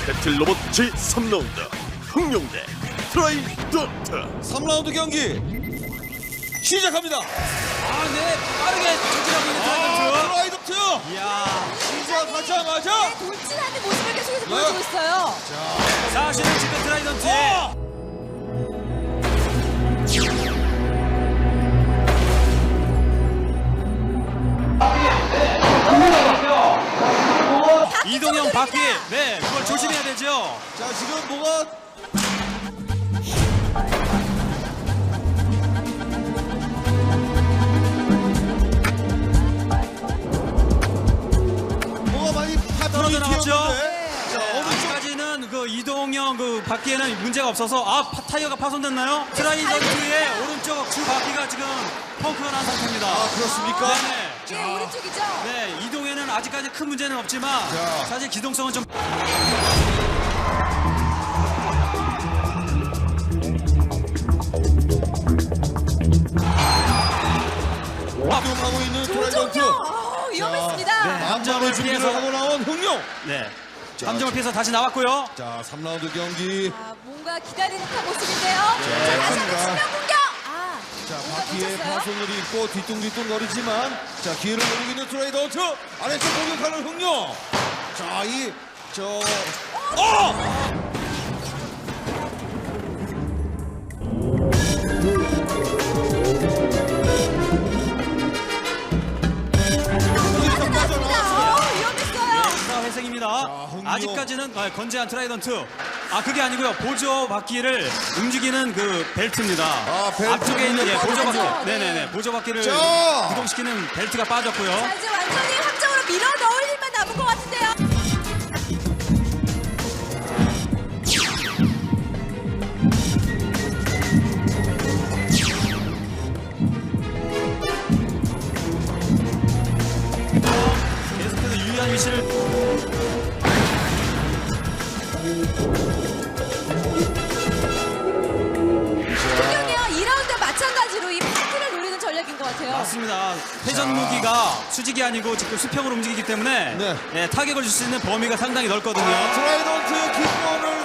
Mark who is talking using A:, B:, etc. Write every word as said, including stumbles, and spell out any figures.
A: 배틀 로봇 제삼 라운드 흥룡대 트라이던트.
B: 삼 라운드 경기 시작합니다.
C: 아, 네, 빠르게 전진하고 있는
B: 아,
C: 트라이던트.
B: 트라이던트
C: 이야,
B: 시작하자마자
D: 네, 돌진하는 모습을 계속해서
B: 네.
D: 보여주고 있어요.
C: 사실은 지금 트라이던트의
B: 어!
C: 이동형 바퀴, 네, 그걸 조심해야 되죠.
B: 자, 지금 뭐가 뭐가 많이 파편이
C: 떨어져 나갔죠?
B: 튀었는데 자,
C: 네,
B: 어느 쪽
C: 아직까지는 그 이동형 그 바퀴에는 문제가 없어서 아 파- 타이어가 파손됐나요? 트라이던트의 오른쪽 주 바퀴가 지금 펑크가 난 상태입니다.
B: 아, 그렇습니까?
C: 네네.
D: 네, 오른쪽이죠.
C: 네, 이동에는 아직까지 큰 문제는 없지만
B: 자.
C: 사실 기동성은 좀
B: 이동하고 있는 트라이던트
D: 조종력 어, 위험했습니다.
C: 네.
B: 남자를 준비를
C: 피해서.
B: 하고 나온 흥룡.
C: 네. 함정을 피해서 다시 나왔고요.
B: 자, 삼 라운드 경기.
D: 아, 뭔가 기다리는 듯한 모습인데요. 자, 다시 한번
B: 그렇습니다.
D: 측면 공격. 아,
B: 자,
D: 뭔가
B: 바퀴에
D: 놓쳤어요.
B: 파손을 입고 뒤뚱뒤뚱 거리지만 자, 기회를 노리고 있는 트라이던트 아래쪽 공격하는 흥룡. 자, 이 저 어! 여기서 빠져나왔어요.
D: 어, 위험했어요.
C: 사 회생입니다.
B: 흥룡.
C: 아직까지는 아, 건재한 트라이던트. 아 그게 아니고요. 보조 바퀴를 움직이는 그 벨트입니다.
B: 아, 벨트.
C: 앞쪽에 있는 예, 보조 바퀴.
D: 빠졌죠. 네.
C: 네네네. 보조 바퀴를
B: 자.
C: 구동시키는 벨트가 빠졌고요.
D: 자, 이제 완전히 함정으로 밀어 넣을 일만 남은 것 같은데요.
C: 계속해서 유리한 위치를
D: 분명히요, 이 라운드와 마찬가지로 이 파트를 노리는 전략인 것 같아요.
C: 맞습니다. 회전 무기가 수직이 아니고 지금 수평으로 움직이기 때문에
B: 네.
C: 예, 타격을 줄 수 있는 범위가 상당히 넓거든요.
B: 트라이던트 기권을